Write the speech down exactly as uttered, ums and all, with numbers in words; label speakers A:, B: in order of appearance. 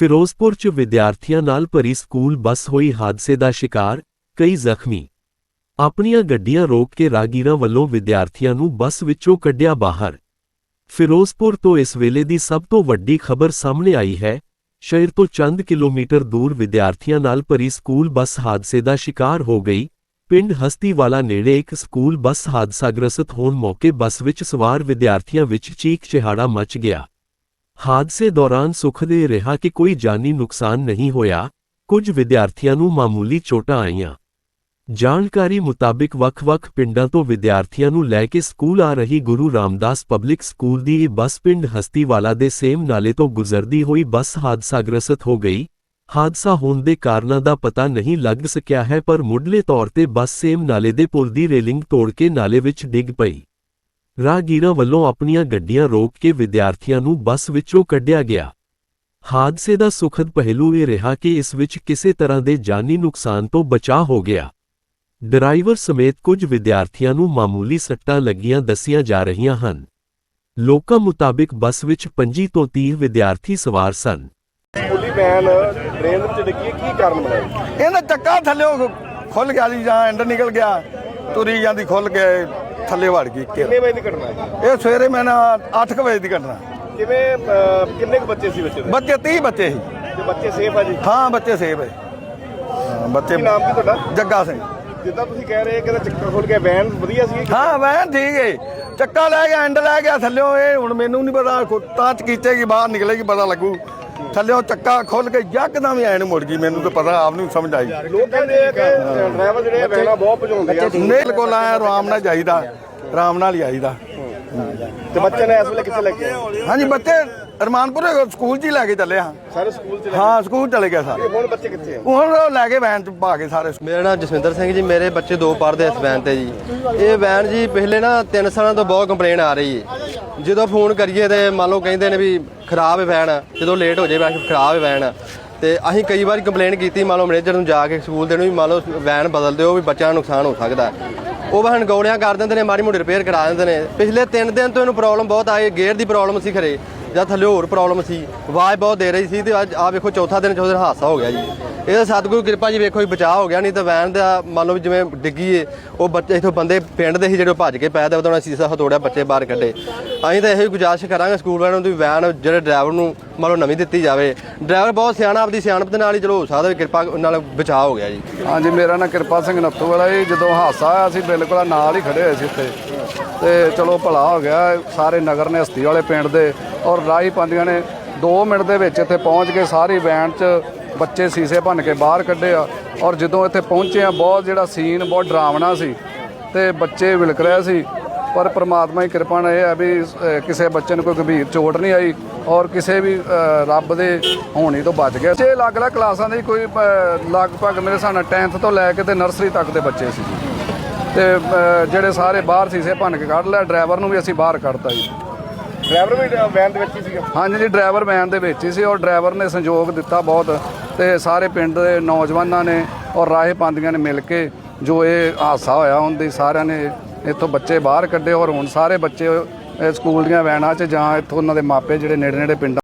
A: ਫਿਰੋਜ਼ਪੁਰ 'ਚ ਵਿਦਿਆਰਥੀਆਂ ਨਾਲ ਭਰੀ ਸਕੂਲ ਬੱਸ ਹੋਈ ਹਾਦਸੇ ਦਾ ਸ਼ਿਕਾਰ, ਕਈ ਜ਼ਖਮੀ। ਆਪਣੀਆਂ ਗੱਡੀਆਂ ਰੋਕ ਕੇ ਰਾਹਗੀਰਾਂ ਵੱਲੋਂ ਵਿਦਿਆਰਥੀਆਂ ਨੂੰ ਬੱਸ ਵਿੱਚੋਂ ਕੱਢਿਆ ਬਾਹਰ। ਫਿਰੋਜ਼ਪੁਰ ਤੋਂ ਇਸ ਵੇਲੇ ਦੀ ਸਭ ਤੋਂ ਵੱਡੀ ਖਬਰ ਸਾਹਮਣੇ ਆਈ ਹੈ। ਸ਼ਹਿਰ ਤੋਂ ਚੰਦ ਕਿਲੋਮੀਟਰ ਦੂਰ ਵਿਦਿਆਰਥੀਆਂ ਨਾਲ ਭਰੀ ਸਕੂਲ ਬੱਸ ਹਾਦਸੇ ਦਾ ਸ਼ਿਕਾਰ ਹੋ ਗਈ। ਪਿੰਡ ਹਸਤੀਵਾਲਾ ਨੇੜੇ ਇੱਕ ਸਕੂਲ ਬੱਸ ਹਾਦਸਾਗ੍ਰਸਤ ਹੋਣ ਮੌਕੇ ਬੱਸ ਵਿੱਚ ਸਵਾਰ ਵਿਦਿਆਰਥੀਆਂ ਵਿੱਚ ਚੀਕ ਚਿਹਾੜਾ ਮਚ ਗਿਆ। ਹਾਦਸੇ ਦੌਰਾਨ ਸੁਖਦ ਇਹ ਰਿਹਾ ਕਿ ਕੋਈ ਜਾਨੀ ਨੁਕਸਾਨ ਨਹੀਂ ਹੋਇਆ, ਕੁਝ ਵਿਦਿਆਰਥੀਆਂ ਨੂੰ ਮਾਮੂਲੀ ਚੋਟਾਂ ਆਈਆਂ। ਜਾਣਕਾਰੀ ਮੁਤਾਬਿਕ ਵੱਖ-ਵੱਖ ਪਿੰਡਾਂ ਤੋਂ ਵਿਦਿਆਰਥੀਆਂ ਨੂੰ ਲੈ ਕੇ ਸਕੂਲ ਆ ਰਹੀ ਗੁਰੂ ਰਾਮਦਾਸ ਪਬਲਿਕ ਸਕੂਲ ਦੀ ਇਹ ਬੱਸ ਪਿੰਡ ਹਸਤੀਵਾਲਾ ਦੇ ਸੇਮ ਨਾਲੇ ਤੋਂ ਗੁਜ਼ਰਦੀ ਹੋਈ ਬੱਸ ਹਾਦਸਾਗ੍ਰਸਤ ਹੋ ਗਈ। ਹਾਦਸਾ ਹੋਣ ਦੇ ਕਾਰਨਾਂ ਦਾ ਪਤਾ ਨਹੀਂ ਲੱਗ ਸਕਿਆ ਹੈ, ਪਰ ਮੁੱਢਲੇ ਤੌਰ ਤੇ ਬੱਸ ਸੇਮ ਨਾਲੇ ਦੇ ਪੁਲ ਦੀ ਰੇਲਿੰਗ ਤੋੜ ਕੇ ਨਾਲੇ ਵਿੱਚ ਡਿੱਗ ਪਈ। ਰਾਹਗੀਰਾਂ ਵੱਲੋਂ ਆਪਣੀਆਂ ਗੱਡੀਆਂ ਰੋਕ ਕੇ ਵਿਦਿਆਰਥੀਆਂ ਨੂੰ ਬੱਸ ਵਿੱਚੋਂ ਕੱਢਿਆ ਗਿਆ। ਹਾਦਸੇ ਦਾ ਸੁਖਦ ਪਹਿਲੂ ਇਹ ਰਿਹਾ ਕਿ ਇਸ ਵਿੱਚ ਕਿਸੇ ਤਰ੍ਹਾਂ ਦੇ ਜਾਨੀ ਨੁਕਸਾਨ ਤੋਂ ਬਚਾਅ ਹੋ ਗਿਆ। ਡਰਾਈਵਰ ਸਮੇਤ ਕੁਝ ਵਿਦਿਆਰਥੀਆਂ ਨੂੰ ਮਾਮੂਲੀ ਸੱਟਾਂ ਲੱਗੀਆਂ ਦੱਸੀਆਂ ਜਾ ਰਹੀਆਂ ਹਨ। ਲੋਕਾਂ ਮੁਤਾਬਿਕ ਬੱਸ ਵਿੱਚ ਪੰਜੀ ਤੋਂ ਤੀਹ ਵਿਦਿਆਰਥੀ ਸਵਾਰ ਸਨ।
B: ਸਕੂਲੀ ਵੈਨ ਟ੍ਰੇਨ ਵਿੱਚ ਡਿੱਗੀ, ਕੀ ਕਾਰਨ ਬਣਿਆ?
C: ਇਹਦਾ ਚੱਕਾ ਥੱਲੇ ਖੁੱਲ ਗਿਆ ਜੀ, ਜਾਂ ਐਂਡ ਨਿਕਲ ਗਿਆ, ਤੁਰੀ ਜਾਂਦੀ ਖੁੱਲ ਕੇ ਥੱਲੇ ਵੜ ਗਈ।
B: ਕਿੰਨੇ ਵਜੇ ਦੀ ਘਟਨਾ ਹੈ
C: ਇਹ? ਸਵੇਰੇ ਮੈਂ ਨਾ ਅੱਠ ਕੁ ਵਜੇ ਦੀ ਘਟਨਾ।
B: ਕਿਵੇਂ ਕਿੰਨੇ ਕੁ ਬੱਚੇ ਸੀ ਬੱਚੇ ਦੇ?
C: ਬੱਚੇ ਤੀਹ ਬੱਚੇ ਸੀ।
B: ਤੇ ਬੱਚੇ ਸੇਫ ਆ ਜੀ?
C: ਹਾਂ, ਬੱਚੇ ਸੇਫ ਹੈ। ਬੱਚੇ।
B: ਕੀ ਨਾਮ ਕੀ ਤੁਹਾਡਾ?
C: ਜੱਗਾ ਸਿੰਘ।
B: ਜਿੱਦਾਂ ਤੁਸੀਂ ਕਹਿ ਰਹੇ ਕਿ ਚੱਕਰ ਖੁੱਲ ਗਿਆ, ਵੈਨ ਵਧੀਆ ਸੀ?
C: ਹਾਂ, ਵੈਨ ਠੀਕ ਹੈ। ਚੱਕਾ ਲੈ ਗਿਆ, ਐਂਡ ਲੈ ਗਿਆ ਥੱਲਿਓਂ। ਇਹ ਹੁਣ ਮੈਨੂੰ ਨਹੀਂ ਪਤਾ, ਤਾਂ ਚਕੀਚੇਗੀ ਬਾਹਰ ਨਿਕਲੇਗੀ ਪਤਾ ਲੱਗੂ। ਥੱਲਿਓਂ ਚੱਕਾ ਖੁੱਲ ਕੇ ਯਕਦਮ ਹੀ ਐਨ ਮੁੜ ਗਈ। ਮੈਨੂੰ ਤਾਂ ਪਤਾ ਆਪ ਨੂੰ ਸਮਝ ਆਈ।
B: ਲੋਕ ਕਹਿੰਦੇ ਆ ਕਿ ਡਰਾਈਵਰ ਜਿਹੜੇ ਵੈਨਾਂ ਬਹੁਤ ਭਜਾਉਂਦੇ ਆ।
C: ਨਹੀਂ, ਕੋਲ ਆਇਆ ਆਰਾਮ ਨਾਲ ਜਾਈਦਾ, ਆਰਾਮ ਨਾਲ ਹੀ ਆਈਦਾ।
B: ਤੇ ਬੱਚੇ ਨੇ ਇਸ ਵੇਲੇ ਕਿੱਥੇ ਲੱਗੇ?
C: ਹਾਂਜੀ, ਬੱਚੇ ਰਮਾਨਪੁਰ ਸਕੂਲ 'ਚ ਹੀ ਲੈ ਕੇ ਚੱਲੇ ਹਾਂ।
B: ਸਾਰੇ ਸਕੂਲ ਚ?
C: ਹਾਂ, ਸਕੂਲ ਚਲੇ ਗਏ ਸਾਰੇ।
B: ਹੁਣ ਬੱਚੇ ਕਿੱਥੇ ਆ?
C: ਹੁਣ ਉਹ ਲੈ ਕੇ ਵੈਨ 'ਚ ਪਾ ਕੇ ਸਾਰੇ।
D: ਮੇਰਾ ਨਾਮ ਜਸਵਿੰਦਰ ਸਿੰਘ ਜੀ। ਮੇਰੇ ਬੱਚੇ ਦੋ ਪੜ੍ਹਦੇ ਇਸ ਵੈਨ ਤੇ ਜੀ। ਇਹ ਵੈਨ ਜੀ ਪਿਛਲੇ ਨਾ ਤਿੰਨ ਸਾਲਾਂ ਤੋਂ ਬਹੁਤ ਕੰਪਲੇਨ ਆ ਰਹੀ ਹੈ। ਜਦੋਂ ਫੋਨ ਕਰੀਏ ਤੇ ਮੰਨ ਲਓ ਕਹਿੰਦੇ ਨੇ ਵੀ ਖਰਾਬ ਹੈ ਵੈਨ, ਜਦੋਂ ਲੇਟ ਹੋ ਜਾਏ ਵੈਨ ਖਰਾਬ ਹੈ ਵੈਨ। ਤੇ ਅਸੀਂ ਕਈ ਵਾਰੀ ਕੰਪਲੇਨ ਕੀਤੀ ਮੰਨ ਲਓ ਮੈਨੇਜਰ ਨੂੰ ਜਾ ਕੇ ਸਕੂਲ ਦੇ ਨੂੰ ਵੀ ਮੰਨ ਲਓ ਵੈਨ ਬਦਲ ਦਿਓ, ਵੀ ਬੱਚਿਆਂ ਨੂੰ ਨੁਕਸਾਨ ਹੋ ਸਕਦਾ। ਉਹ ਵੈਨ ਗੋਲੀਆਂ ਕਰ ਦਿੰਦੇ ਨੇ, ਮਾੜੀ ਮੋਟੀ ਰਿਪੇਅਰ ਕਰਾ ਦਿੰਦੇ ਨੇ। ਪਿਛਲੇ ਤਿੰਨ ਦਿਨ ਤੋਂ ਇਹਨੂੰ ਪ੍ਰੋਬਲਮ ਬਹੁਤ ਆਈ। ਗੇਅਰ ਦੀ ਪ੍ਰੋਬਲਮ ਸੀ ਖਰੇ ਜਾਂ ਥੱਲੇ ਹੋਰ ਪ੍ਰੋਬਲਮ ਸੀ, ਆਵਾਜ਼ ਬਹੁਤ ਦੇ ਰਹੀ ਸੀ। ਤੇ ਅੱਜ ਆ ਵੇਖੋ ਚੌਥਾ ਦਿਨ ਚੌਥੇ ਦਿਨ ਹਾਦਸਾ ਹੋ ਗਿਆ ਜੀ। ਇਹਦਾ ਸਤਿਗੁਰੂ ਕਿਰਪਾ ਜੀ ਵੇਖੋ ਬਚਾਅ ਹੋ ਗਿਆ, ਨਹੀਂ ਤਾਂ ਵੈਨ ਦਾ ਮੰਨ ਲਓ ਜਿਵੇਂ ਡਿੱਗੀ ਏ, ਉਹ ਬੱਚੇ ਇੱਥੋਂ ਬੰਦੇ ਪਿੰਡ ਦੇ ਸੀ ਜਿਹੜੇ ਭੱਜ ਕੇ ਪੈ ਦੇ ਉਹਦਾ ਸੀਸਾ ਹਤੋੜਿਆ, ਬੱਚੇ ਬਾਹਰ ਕੱਢੇ। ਅਸੀਂ ਤਾਂ ਇਹੋ ਹੀ ਗੁਜ਼ਾਰਿਸ਼ ਕਰਾਂਗੇ ਸਕੂਲ ਵਾਲਿਆਂ ਨੂੰ ਵੀ ਵੈਨ ਜਿਹੜੇ ਡਰਾਈਵਰ ਨੂੰ ਮੰਨ ਲਓ ਨਵੀਂ ਦਿੱਤੀ ਜਾਵੇ। ਡਰਾਈਵਰ ਬਹੁਤ ਸਿਆਣਾ, ਆਪਦੀ ਸਿਆਣਪ ਦੇ ਨਾਲ ਹੀ ਚਲੋ ਹੋ ਸਕਦਾ ਵੀ ਕਿਰਪਾ ਨਾਲ ਬਚਾਅ ਹੋ ਗਿਆ ਜੀ।
C: ਹਾਂਜੀ, ਮੇਰਾ ਨਾਂ ਕਿਰਪਾ ਸਿੰਘ ਨੱਥੂ ਵਾਲਾ ਜੀ। ਜਦੋਂ ਹਾਦਸਾ ਆਇਆ ਅਸੀਂ ਬਿਲਕੁਲ ਨਾਲ ਹੀ ਖੜੇ ਹੋਏ ਸੀ ਉੱਥੇ, ਤੇ ਚਲੋ ਭਲਾ ਹੋ ਗਿਆ। ਸਾਰੇ ਨਗਰ ਨੇ, ਹਸਤੀ ਵਾਲੇ ਪਿੰਡ ਦੇ ਔਰ ਰਾਹੀ ਪਾਉਂਦੀਆਂ ਨੇ ਦੋ ਮਿੰਟ ਦੇ ਵਿੱਚ ਇੱਥੇ ਪਹੁੰਚ ਕੇ ਸਾਰੀ ਵੈਨ 'ਚ ਬੱਚੇ ਸੀਸੇ ਭੰਨ ਕੇ ਬਾਹਰ ਕੱਢੇ ਆ। ਔਰ ਜਦੋਂ ਇੱਥੇ ਪਹੁੰਚੇ ਆ, ਬਹੁਤ ਜਿਹੜਾ ਸੀਨ ਬਹੁਤ ਡਰਾਵਣਾ ਸੀ ਤੇ ਬੱਚੇ ਵਿਲਕ ਰਹੇ ਸੀ। ਪਰ ਪ੍ਰਮਾਤਮਾ ਦੀ ਕਿਰਪਾ ਨਾਲ ਇਹ ਹੈ ਵੀ ਕਿਸੇ ਬੱਚੇ ਨੂੰ ਕੋਈ ਗੰਭੀਰ ਚੋਟ ਨਹੀਂ ਆਈ ਔਰ ਕਿਸੇ ਵੀ ਰੱਬ ਦੇ ਹੋਣੀ ਤੋਂ ਬਚ ਗਿਆ। ਛੇ ਅਲੱਗ-ਅਲੱਗ ਕਲਾਸਾਂ ਦੇ ਕੋਈ ਲਗਭਗ ਮੇਰੇ ਹਿਸਾਬ ਨਾਲ ਟੈਂਥ ਤੋਂ ਲੈ ਕੇ ਤੇ ਨਰਸਰੀ ਤੱਕ ਦੇ ਬੱਚੇ ਸੀ ਤੇ ਜਿਹੜੇ ਸਾਰੇ ਬਾਹਰ ਸੀਸੇ ਭੰਨ ਕੇ ਕੱਢ ਲਿਆ। ਡਰਾਈਵਰ ਨੂੰ ਵੀ ਅਸੀਂ ਬਾਹਰ ਕੱਢਤਾ ਜੀ।
B: ਡਰਾਈਵਰ ਵੀ ਵੈਨ ਦੇ ਵਿੱਚ ਹੀ ਸੀਗਾ? ਹਾਂਜੀ
C: ਜੀ, ਡਰਾਈਵਰ ਵੈਨ ਦੇ ਵਿੱਚ ਹੀ ਸੀ ਔਰ ਡਰਾਈਵਰ ਨੇ ਸੰਯੋਗ ਦਿੱਤਾ ਬਹੁਤ, ਤੇ ਸਾਰੇ ਪਿੰਡ ਦੇ ਨੌਜਵਾਨਾਂ ਨੇ ਔਰ ਰਾਹੇ ਪਾਉਂਦੀਆਂ ਨੇ ਮਿਲ ਕੇ ਜੋ ਇਹ ਹਾਦਸਾ ਹੋਇਆ ਉਹਦੀ ਸਾਰਿਆਂ ਨੇ ਇੱਥੋਂ ਬੱਚੇ ਬਾਹਰ ਕੱਢੇ। ਔਰ ਹੁਣ ਸਾਰੇ ਬੱਚੇ ਸਕੂਲ ਦੀਆਂ ਵੈਨਾਂ 'ਚ ਜਾਂ ਇੱਥੋਂ ਉਹਨਾਂ ਦੇ ਮਾਪੇ ਜਿਹੜੇ ਨੇੜੇ ਨੇੜੇ ਪਿੰਡਾਂ